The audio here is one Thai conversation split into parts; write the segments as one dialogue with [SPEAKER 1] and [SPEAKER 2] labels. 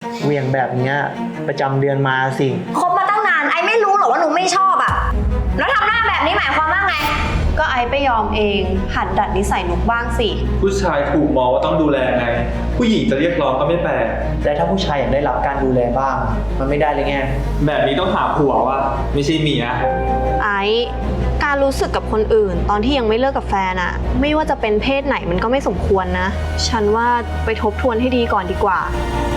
[SPEAKER 1] เหวี่ยงแบบเนี้ยประจำเดือนมาสิ
[SPEAKER 2] คบมาตั้งนานไอไม่รู้หรอว่าหนูไม่ชอบอะแล้วทำหน้าแบบนี้หมายความว่าไง
[SPEAKER 3] ก็ไอไปยอมเองหัดดัดนิสัยนุกบ้างสิ
[SPEAKER 4] ผู้ชายถูกมองว่าต้องดูแลไงผู้หญิงจะเรียกร้องก็ไม่แปลก
[SPEAKER 1] แต่ถ้าผู้ชายอยากได้รับการดูแลบ้างมันไม่ได้เลยไง
[SPEAKER 4] แบบนี้ต้องหาผัวว่ะไม่ใช่เมีย
[SPEAKER 3] ไอการรู้สึกกับคนอื่นตอนที่ยังไม่เลิกกับแฟนอะไม่ว่าจะเป็นเพศไหนมันก็ไม่สมควรนะฉันว่าไปทบทวนให้ดีก่อนดีกว่า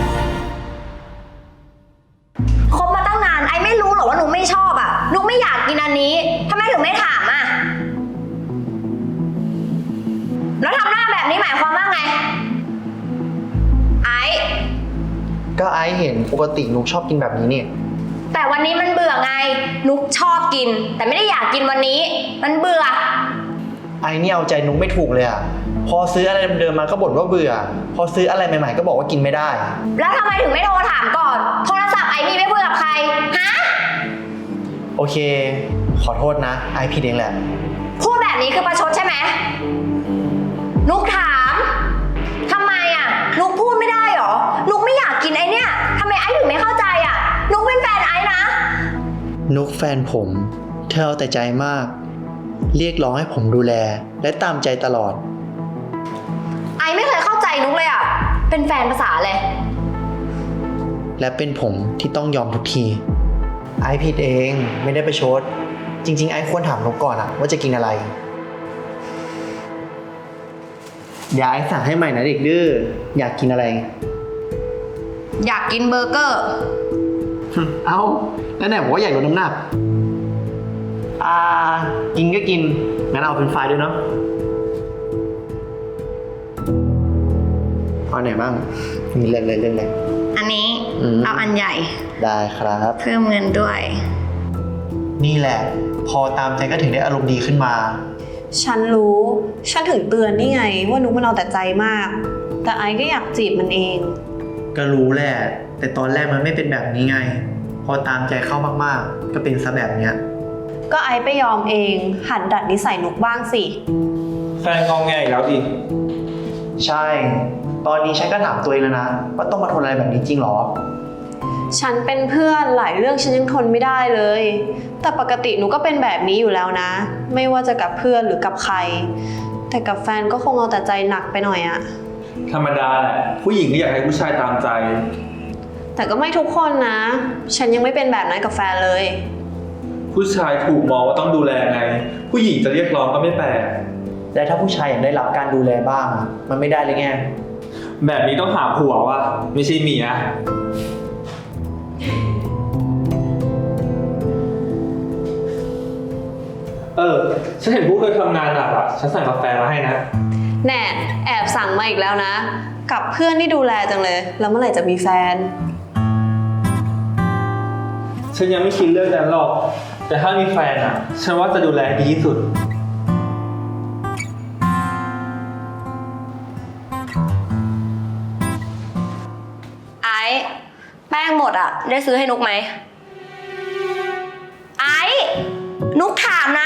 [SPEAKER 2] คบมาตั้งนานไอไม่รู้หรอว่าหนูไม่ชอบอะหนูไม่อยากกินอันนี้ทำไมถึงไม่ถามอะแล้วทำหน้าแบบนี้หมายความว่าไงไอ
[SPEAKER 1] ก็ไอเห็นปกตินุกชอบกินแบบนี้นี่
[SPEAKER 2] แต่วันนี้มันเบื่อไงนุกชอบกินแต่ไม่ได้อยากกินวันนี้มันเบื่อ
[SPEAKER 1] ไอนี่เอาใจนุกไม่ถูกเลยอะพอซื้ออะไรเดิมๆมาก็บ่นว่าเบื่อพอซื้ออะไรใหม่ๆก็บอกว่ากินไม่ได้
[SPEAKER 2] แล้วทำไมถึงไม่โทรถามก่อนโทรศัพท์ไอมีไม่คุยกับใครฮะ
[SPEAKER 1] โอเคขอโทษนะไอผิดเองแหละ
[SPEAKER 2] พูดแบบนี้คือประชดใช่ไหมนุกถามทำไมอ่ะนุกพูดไม่ได้หรอนุกไม่อยากกินไอเนี่ยทำไมไอถึงไม่เข้าใจอ่ะนุกเป็นแฟนไอนะ
[SPEAKER 1] นุกแฟนผมเธอเอาแต่ใจมากเรียกร้องให้ผมดูแลและตามใจตลอด
[SPEAKER 2] ไอไม่เคยเข้าใจนุกเลยอ่ะเป็นแฟนภาษาเลย
[SPEAKER 1] และเป็นผมที่ต้องยอมทุกทีไอผิดเองไม่ได้ประชดจริงๆไอควรถามนุกก่อนอะว่าจะกินอะไรอย่าไอสั่งให้ใหม่นะเด็กดื้ออยากกินอะไร
[SPEAKER 2] อยากกินเบอร์เกอร์
[SPEAKER 1] เอาแล้วไหนบอกว่าอยากลดน้ำหนักกินก็กินงั้นเอาเป็นไฟล์ด้วยเนาะเอาไหนบ้างมีเรื่องเลย
[SPEAKER 2] อันนี้เอาอันใหญ่
[SPEAKER 1] ได้ครับ
[SPEAKER 2] เพิ่มเงินด้วย
[SPEAKER 1] นี่แหละพอตามใจก็ถึงได้อารมณ์ดีขึ้นมา
[SPEAKER 3] ฉันรู้ฉันถึงเตือนนี่ไงว่านุกมันเอาแต่ใจมากแต่ไอก็อยากจีบมันเอง
[SPEAKER 1] ก็รู้แหละแต่ตอนแรกมันไม่เป็นแบบนี้ไงพอตามใจเข้ามากๆก็เป็นซะแบบเนี้ย
[SPEAKER 3] ก็ไอไปยอมเองหัดดัดนิสัยนุกบ้างสิ
[SPEAKER 4] แฟนงองแงอีกแล้วดิ
[SPEAKER 1] ใช่ตอนนี้ฉันก็ถามตัวเองแล้วนะว่าต้องมาทนอะไรแบบนี้จริงหรอ
[SPEAKER 3] ฉันเป็นเพื่อนหลายเรื่องฉันยังทนไม่ได้เลยแต่ปกติหนูก็เป็นแบบนี้อยู่แล้วนะไม่ว่าจะกับเพื่อนหรือกับใครแต่กับแฟนก็คงเอาแต่ใจหนักไปหน่อยอะ
[SPEAKER 4] ธรรมดาแหละผู้หญิงก็อยากให้ผู้ชายตามใจ
[SPEAKER 3] แต่ก็ไม่ทุกคนนะฉันยังไม่เป็นแบบนั้นกับแฟนเลย
[SPEAKER 4] ผู้ชายถูกมองว่าต้องดูแลไงผู้หญิงจะเรียกร้องก็ไม่แปลก
[SPEAKER 1] และถ้าผู้ชายอยากได้รับการดูแลบ้างมันไม่ได้เลยไง
[SPEAKER 4] แบบนี้ต้องหาผัวว่ะไม่ใช่เมียฉันเห็นพวกเธอทำงานหนักอ่ะฉันสั่งกาแฟมาให้นะ
[SPEAKER 3] แน่แอบสั่งมาอีกแล้วนะกับเพื่อนที่ดูแลจังเลยแล้วเมื่อไหร่จะมีแฟน
[SPEAKER 4] ฉันยังไม่คิดเรื่องนั้นหรอกแต่ถ้ามีแฟนอ่ะฉันว่าจะดูแลดีที่สุด
[SPEAKER 2] ไอ้แป้งหมดอ่ะได้ซื้อให้นุกไหมไอ้นุกถามนะ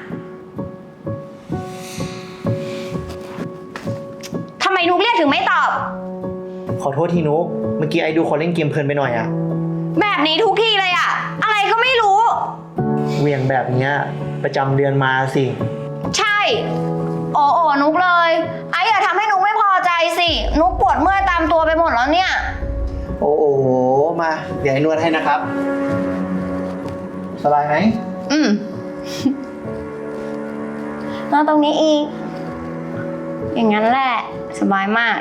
[SPEAKER 2] ทำไมนุกเรียกถึงไม่ตอบ
[SPEAKER 1] ขอโทษทีนุกเมื่อกี้ไอ้ดูคนเล่นเกมเพลินไปหน่อยอะ
[SPEAKER 2] แบบนี้ทุกทีเลยอะอะไรก็ไม่รู้
[SPEAKER 1] เหวี่ยงแบบเนี้ยประจำเดือนมาสิ
[SPEAKER 2] ใช่โอ้นุกเลยไอ้อย่าทำให้นุกไม่พอใจสินุกปวดเมื่อยตามตัวไปหมดแล้วเนี่ย
[SPEAKER 1] โอ้มาเดี๋ยวให้นวดให้นะครับสบายไหม
[SPEAKER 2] นอนตรงนี้อีกอย่างนั้นแหละสบายมาก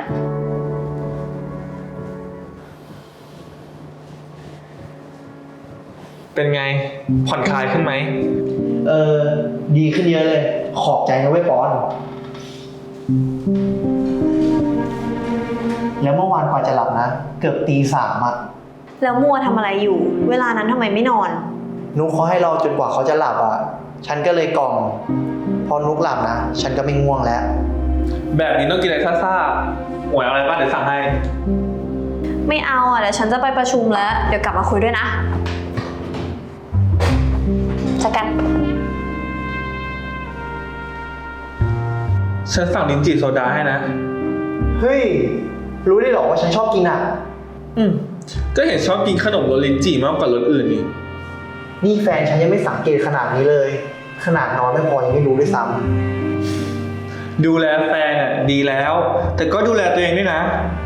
[SPEAKER 4] เป็นไงผ่อนคลายขึ้นไหม
[SPEAKER 1] ดีขึ้นเยอะเลยขอบใจนะเว้ยปอนแล้วเมื่อวานกว่าจะหลับนะเกือบตี 3อะ
[SPEAKER 3] แล้วมัวทำอะไรอยู่เวลานั้นทำไมไม่นอน
[SPEAKER 1] นุ๊กเขาให้รอจนกว่าเขาจะหลับอะฉันก็เลยกล่อมพอนุ๊กหลับนะฉันก็ไม่ง่วงแล้ว
[SPEAKER 4] แบบนี้ต้องกินอะไรซ่าๆหวยอะไรบ้างเดี๋ยวสั่งให้
[SPEAKER 3] ไม่เอาอ่ะเดี๋ยวฉันจะไปประชุมแล้วเดี๋ยวกลับมาคุยด้วยนะจัดกัน
[SPEAKER 4] ฉันสั่งลิ้นจี่โซดาให้นะ
[SPEAKER 1] เฮ้ยรู้ได้หรอว่าฉันชอบกินอ่ะ
[SPEAKER 4] ก็เห็นชอบกินขนมรสลิ้นจี่มากกว่ารสอื่นนี่
[SPEAKER 1] นี่แฟนฉันยังไม่สังเกตขนาดนี้เลย ขนาดนอนไม่พอยังไม่รู้ด้วยซ้
[SPEAKER 4] ดูแลแฟนอ่ะดีแล้ว แต่ก็ดูแลตัวเองด้วยนะ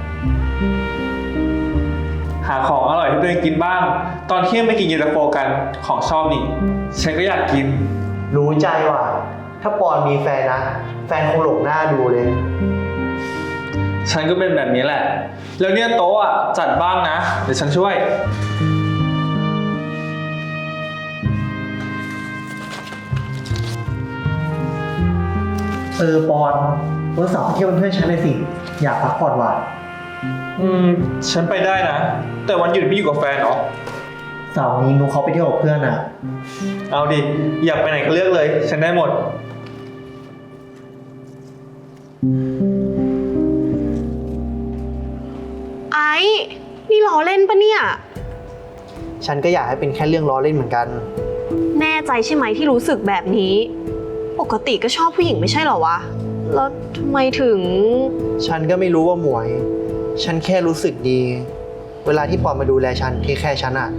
[SPEAKER 4] หาของอร่อยให้ตัวเองกินบ้าง ตอนเที่ยงไปกินเย็นตาโฟกันของชอบนี่ ฉันก็อยากกิน
[SPEAKER 1] ำรู้ใจว่ะ ถ้าปอนมีแฟนนะ แฟนคงหลงหน้าดูเลย
[SPEAKER 4] ฉันก็เป็นแบบนี้แหละ แล้วเนี่ยโต๊ะอ่ะจัดบ้างนะ เดี๋ยวฉันช่วย
[SPEAKER 1] ปอนวันเสาร์ไปเที่ยวเป็นเพื่อนฉันเลยสิ อยากพักผ่อนว่ะ
[SPEAKER 4] ฉันไปได้นะ แต่วันหยุดไม่อยู่กับแฟนเหรอ
[SPEAKER 1] เสาร์นี้นุกเขาไปเที่ยวกับเพื่อนอ่ะ
[SPEAKER 4] เอาดิ อยากไปไหนก็เลือกเลย ฉันได้หมด
[SPEAKER 3] ไอ้นี่ล้อเล่นปะเนี่ย
[SPEAKER 1] ฉันก็อยากให้เป็นแค่เรื่องล้อเล่นเหมือนกัน
[SPEAKER 3] แน่ใจใช่ไหมที่รู้สึกแบบนี้ ปกติก็ชอบผู้หญิงไม่ใช่เหรอวะ แล้วทำไมถึง
[SPEAKER 1] ฉันก็ไม่รู้ว่าหมวย ฉันแค่รู้สึกดี เวลาที่ปอนมาดูแลฉันที่แค่ฉันอ่ะ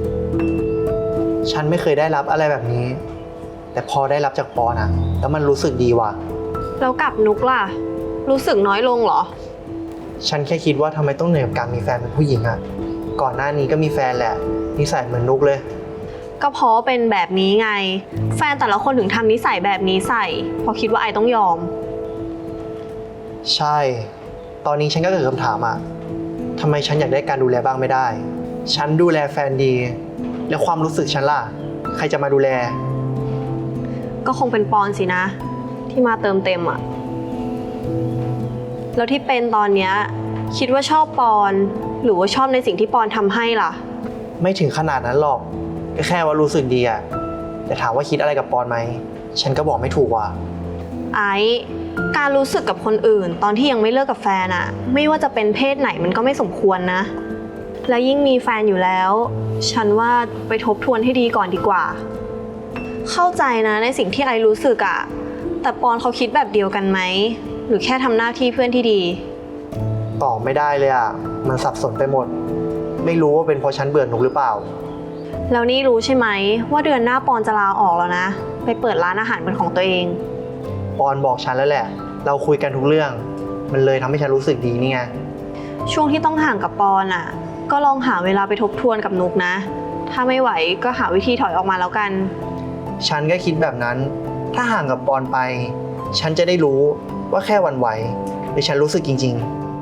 [SPEAKER 1] ฉันไม่เคยได้รับอะไรแบบนี้ แต่พอได้รับจากปอนอ่ะ แล้วมันรู้สึกดีว่ะ
[SPEAKER 3] แล้วกับนุกล่ะ รู้สึกน้อยลงเหรอ
[SPEAKER 1] ฉันแค่คิดว่าทำไมต้องเหนื่อยกับการมีแฟนเป็นผู้หญิงอ่ะ ก่อนหน้านี้ก็มีแฟนแหละ นิสัยเหมือนนุกเลย
[SPEAKER 3] ก็เพราะเป็นแบบนี้ไง แฟนแต่ละคนถึงทำนิสัยแบบนี้ใส่เพราะคิดว่าไอต้องยอม
[SPEAKER 1] ใช่ ตอนนี้ฉันก็เกิดคำถามอ่ะทำไมฉันอยากได้การดูแลบ้างไม่ได้ ฉันดูแลแฟนดี แล้วความรู้สึกฉันล่ะ ใครจะมาดูแล
[SPEAKER 3] ก็คงเป็นปอนสินะ ที่มาเติมเต็มอะแล้วที่เป็นตอนเนี้ยคิดว่าชอบปอนหรือว่าชอบในสิ่งที่ปอนทำให้ล่ะ
[SPEAKER 1] ไม่ถึงขนาดนั้นหรอกก็แค่ว่ารู้สึกดีอ่ะ แต่ถามว่าคิดอะไรกับปอนไหม ฉันก็บอกไม่ถูกว่ะ
[SPEAKER 3] ไอ้การรู้สึกกับคนอื่นตอนที่ยังไม่เลิกกับแฟนอะไม่ว่าจะเป็นเพศไหนมันก็ไม่สมควรนะ และยิ่งมีแฟนอยู่แล้ว ฉันว่าไปทบทวนให้ดีก่อนดีกว่า เข้าใจนะในสิ่งที่ไอรู้สึกอะแต่ปอนเขาคิดแบบเดียวกันไหมหรือแค่ทำหน้าที่เพื่อนที่ดี
[SPEAKER 1] ตอบไม่ได้เลยอ่ะ มันสับสนไปหมด ไม่รู้ว่าเป็นเพราะฉันเบื่อนุกหรือเปล่า
[SPEAKER 3] แล้วนี่รู้ใช่ไหมว่าเดือนหน้าปอนจะลาออกแล้วนะไปเปิดร้านอาหารเป็นของตัวเอง
[SPEAKER 1] ปอนบอกฉันแล้วแหละ เราคุยกันทุกเรื่อง มันเลยทำให้ฉันรู้สึกดีนี่ไง
[SPEAKER 3] ช่วงที่ต้องห่างกับปอนอะก็ลองหาเวลาไปทบทวนกับนุกนะ ถ้าไม่ไหวก็หาวิธีถอยออกมาแล้วกัน
[SPEAKER 1] ฉันก็คิดแบบนั้น ถ้าห่างกับปอนไป ฉันจะได้รู้ว่าแค่หวันไหวหรือฉันรู้สึกจริง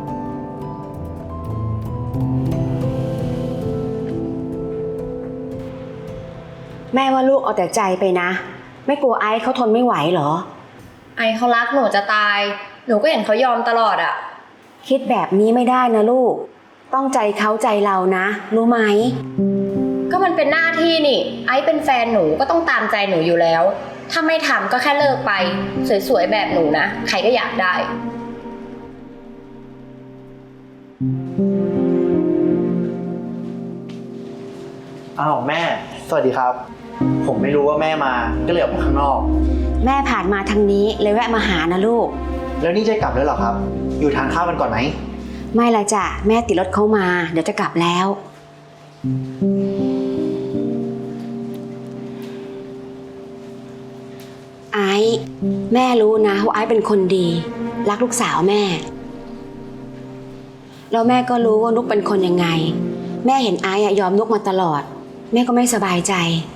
[SPEAKER 5] แม่ว่าลูกเอาแต่ใจไปนะ ไม่กลัวไอซ์เขาทนไม่ไหวเหรอ
[SPEAKER 2] ไอเขารักหนูจะตาย หนูก็เห็นเขายอมตลอดอะ
[SPEAKER 5] คิดแบบนี้ไม่ได้นะลูก ต้องใจเขาใจเรานะ รู้ไหม
[SPEAKER 2] ก็มันเป็นหน้าที่นี่ ไอเป็นแฟนหนูก็ต้องตามใจหนูอยู่แล้ว ถ้าไม่ทำก็แค่เลิกไป สวยๆแบบหนูนะ ใครก็อยากได้
[SPEAKER 1] ๆ อ้าวแม่ สวัสดีครับ ผมไม่รู้ว่าแม่มา ก็เลยออกมาข้างนอก
[SPEAKER 5] แม่ผ่านมาทางนี้เลยแวะมาหานะลูก
[SPEAKER 1] แล้วนี่จะกลับแล้วเหรอครับ อยู่ทานข้าวกันก่อนไหม
[SPEAKER 5] ไม่ละจ้ะแม่ติดรถเขามา เดี๋ยวจะกลับแล้ว ไอซ์แม่รู้นะว่าไอซ์เป็นคนดี รักลูกสาวแม่ แล้วแม่ก็รู้ว่านุกเป็นคนยังไง แม่เห็นไอซ์ยอมนุกมาตลอด แม่ก็ไม่สบายใจ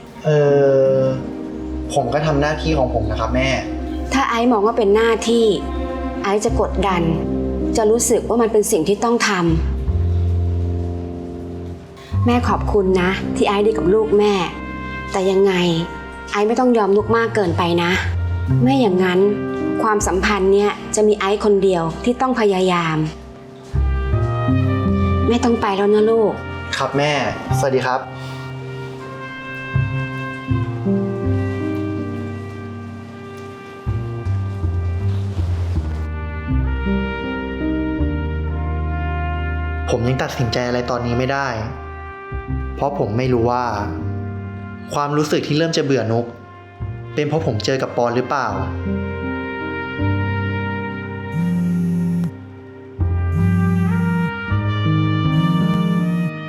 [SPEAKER 1] ผมก็ทำหน้าที่ของผมนะครับแม่
[SPEAKER 5] ถ้าไอซ์มองว่าเป็นหน้าที่ ไอซ์จะกดดัน จะรู้สึกว่ามันเป็นสิ่งที่ต้องทำแม่ขอบคุณนะ ที่ไอซ์ดีกับลูกแม่ แต่ยังไงไอซ์ไม่ต้องยอมนุกมากเกินไปนะ ไม่อย่างนั้นความสัมพันธ์เนี่ยจะมีไอซ์คนเดียวที่ต้องพยายามแม่ต้องไปแล้วนะลูก
[SPEAKER 1] ครับแม่ สวัสดีครับ ผมยังตัดสินใจอะไรตอนนี้ไม่ได้ เพราะผมไม่รู้ว่า ความรู้สึกที่เริ่มจะเบื่อนุก เป็นเพราะผมเจอกับปอนหรือเปล่า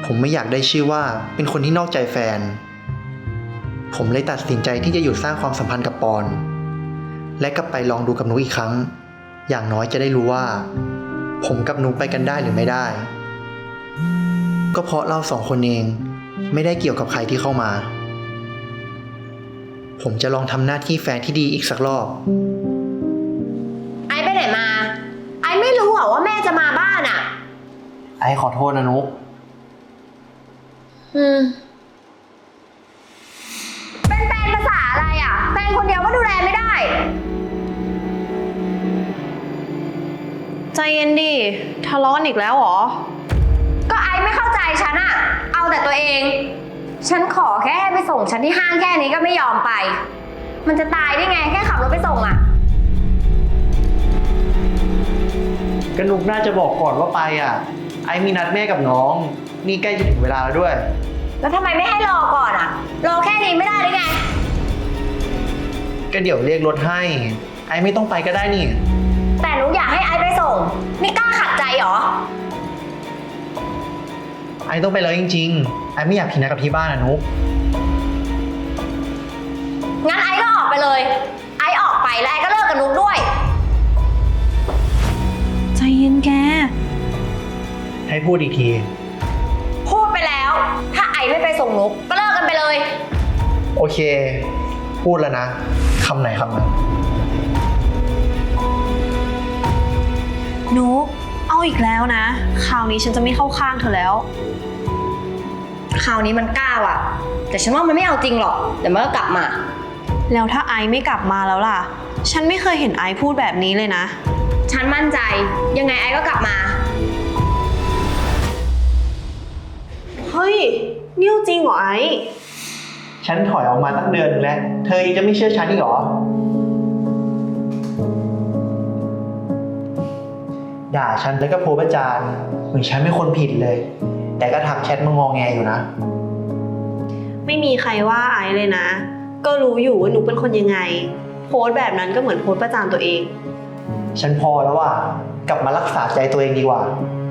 [SPEAKER 1] ผมไม่อยากได้ชื่อว่าเป็นคนที่นอกใจแฟน ผมเลยตัดสินใจที่จะหยุดสร้างความสัมพันธ์กับปอน และกลับไปลองดูกับนุกอีกครั้ง อย่างน้อยจะได้รู้ว่า ผมกับนุกไปกันได้หรือไม่ได้ ก็เพราะเราสองคนเองไม่ได้เกี่ยวกับใครที่เข้ามา ผมจะลองทำหน้าที่แฟนที่ดีอีกสักรอบ
[SPEAKER 2] ไอซ์ไปไหนมา ไอซ์ไม่รู้เหรอว่าแม่จะมาบ้านอ่ะ
[SPEAKER 1] ไอ้ขอโทษนะนุก
[SPEAKER 2] เป็นแฟนภาษาอะไรอ่ะ แฟนคนเดียวก็ดูแลไม่ได้
[SPEAKER 3] ใจเย็นดิทะเลาะกันอีกแล้วเหรอ
[SPEAKER 2] ก็ไอซ์ไม่เข้าใจฉันอะเอาแต่ตัวเอง ฉันขอแค่ให้ไปส่งฉันที่ห้างแค่นี้ก็ไม่ยอมไป มันจะตายได้ไงแค่ขับรถไปส่งอะ
[SPEAKER 1] ก็นุกน่าจะบอกก่อนว่าไปอ่ะ ไอ้มีนัดแม่กับน้อง นี่ใกล้จะถึงเวลาแล้วด้วย
[SPEAKER 2] แล้วทำไมไม่ให้รอก่อนอะรอแค่นี้ไม่ได้หรือไง
[SPEAKER 1] ก็เดี๋ยวเรียกรถให้ ไอ้ไม่ต้องไปก็ได้นี่
[SPEAKER 2] แต่หนูอยากให้ไอซ์ไปส่ง นี่กล้าขัดใจเหรอ
[SPEAKER 1] ไอ้ต้องไปแล้วจริงๆ ไอ้ไม่อยากผิดนัดกับที่บ้านอ่ะนุก
[SPEAKER 2] งั้นไอซ์ก็ออกไปเลย ไอซ์ออกไปแล้วไอซ์ก็เลิกกับนุกด้วย
[SPEAKER 3] ใจเย็นแก
[SPEAKER 1] ให้พูดอีกที
[SPEAKER 2] พูดไปแล้ว ถ้าไอซ์ไม่ไปส่งนุกก็เลิกกันไปเลย
[SPEAKER 1] โอเค พูดแล้วนะคำไหนคำนั้น
[SPEAKER 3] นุกเอาอีกแล้วนะ คราวนี้ฉันจะไม่เข้าข้างเธอแล้ว
[SPEAKER 2] คราวนี้มันกล้าว่ะ แต่ฉันว่ามันไม่เอาจริงหรอก เดี๋ยวมันก็กลับมา
[SPEAKER 3] แล้วถ้าไอซ์ไม่กลับมาแล้วล่ะ ฉันไม่เคยเห็นไอซ์พูดแบบนี้เลยนะ
[SPEAKER 2] ฉันมั่นใจ ยังไงไอซ์ก็กลับมา
[SPEAKER 3] เฮ้ยนี่จริงเหรอไอซ์
[SPEAKER 1] ฉันถอยออกมาตั้งเดือนนึงแล้ว เธอยังจะไม่เชื่อฉันอีกเหรอ ด่าฉันแล้วก็โพสต์ประจานเหมือนฉันเป็นคนผิดเลย แต่ก็ทักแชทมางอแงอยู่นะ
[SPEAKER 3] ไม่มีใครว่าไอซ์เลยนะ ก็รู้อยู่ว่าหนูเป็นคนยังไง โพสต์แบบนั้นก็เหมือนโพสต์ประจานตัวเอง
[SPEAKER 1] ฉันพอแล้วว่ะ กลับมารักษาใจตัวเองดีกว่า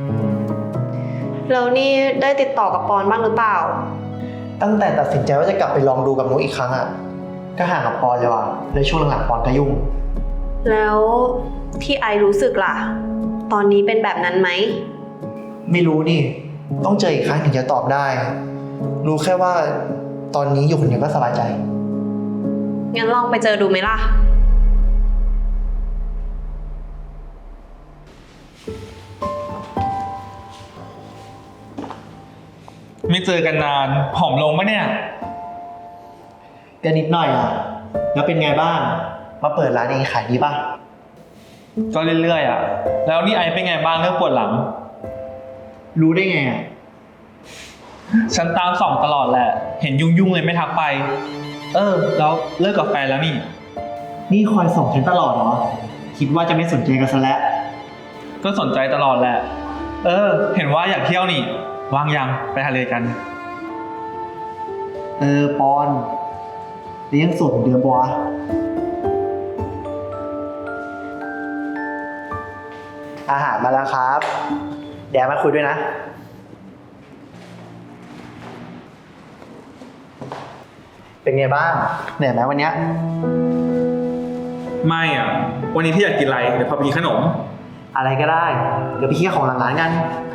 [SPEAKER 3] แล้วนี่ได้ติดต่อกับปอนบ้างหรือเปล่า
[SPEAKER 1] ตั้งแต่ตัดสินใจว่าจะกลับไปลองดูกับนุกอีกครั้งอ่ะ ก็ห่างกับปอนเลยว่ะเลยช่วงหลังๆปอนก็ยุ่ง
[SPEAKER 3] แล้วที่ไอซ์รู้สึกล่ะ ตอนนี้เป็นแบบนั้นไหม
[SPEAKER 1] ไม่รู้นี่ ต้องเจออีกครั้งถึงจะตอบได้ รู้แค่ว่าตอนนี้อยู่คนเดียวก็สบายใจ
[SPEAKER 3] งั้นลองไปเจอดูไหมล่ะ
[SPEAKER 4] ไม่เจอกันนานผอมลงปะเนี่ย
[SPEAKER 1] ก็นิดหน่อยอ่ะ แล้วเป็นไงบ้าง มาเปิดร้านเองขายดีป่ะ
[SPEAKER 4] ก็เรื่อยๆอ่ะ แล้วนี่ไอเป็นไงบ้างเรื่องปวดหลัง
[SPEAKER 1] รู้ได้ไงอ่ะ
[SPEAKER 4] ฉันตามส่องตลอดแหละ เห็นยุ่งๆเลยไม่ทักไป แล้วเลิกกับแฟนแล้วนี่
[SPEAKER 1] นี่คอยส่งฉันตลอดเหรอ คิดว่าจะไม่สนใจกันซะแล้ว
[SPEAKER 4] ก็สนใจตลอดแหละ เห็นว่าอยากเที่ยวนี่ว่างยังไปทะเลกัน
[SPEAKER 1] ปอนเลี้ยงส่งเดือนบัวะอาหารมาแล้วครับ เดี๋ยวมาคุยด้วยนะ เป็นไงบ้าง เหนื่อยไหมวันเนี้ย
[SPEAKER 4] ไม่อ่ะ วันนี้ที่อยากกินอะไรเดี๋ยวพาไปกินขนม
[SPEAKER 1] อะไรก็ได้ เดี๋ยวไปเที่ยวของหลังร้านกัน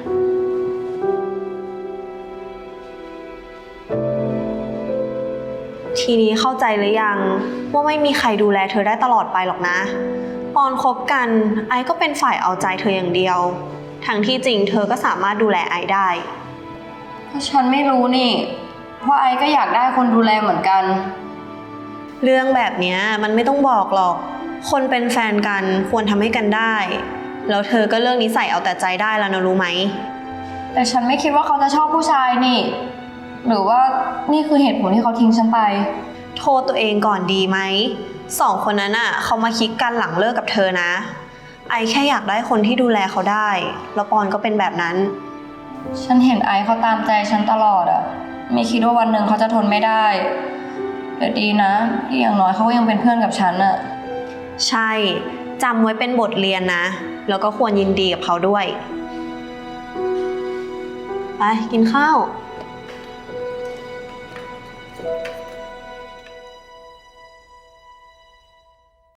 [SPEAKER 3] ทีนี้เข้าใจหรือยังว่าไม่มีใครดูแลเธอได้ตลอดไปหรอกนะ ตอนคบกันไอซ์ก็เป็นฝ่ายเอาใจเธออย่างเดียว ทั้งที่จริงเธอก็สามารถดูแลไอซ์ได้
[SPEAKER 2] ก็ฉันไม่รู้นี่ว่าไอซ์ก็อยากได้คนดูแลเหมือนกัน
[SPEAKER 3] เรื่องแบบเนี้ยมันไม่ต้องบอกหรอก คนเป็นแฟนกันควรทำให้กันได้ แล้วเธอก็เลิกนิสัยเอาแต่ใจได้แล้วนะรู้ไหม
[SPEAKER 2] แต่ฉันไม่คิดว่าเขาจะชอบผู้ชายนี่ หรือว่านี่คือเหตุผลที่เขาทิ้งฉันไป
[SPEAKER 3] โทษตัวเองก่อนดีไหม สองคนนั้นอ่ะเขามาคิดกันหลังเลิกกับเธอนะ ไอแค่อยากได้คนที่ดูแลเขาได้ แล้วปอนก็เป็นแบบนั้น
[SPEAKER 2] ฉันเห็นไอซ์เขาตามใจฉันตลอดอะไม่คิดว่าวันหนึ่งเขาจะทนไม่ได้แต่ดีนะที่อย่างน้อยเขาก็ยังเป็นเพื่อนกับฉันอะ
[SPEAKER 3] ใช่จำไว้เป็นบทเรียนนะ แล้วก็ควรยินดีกับเขาด้วยไปกินข้าว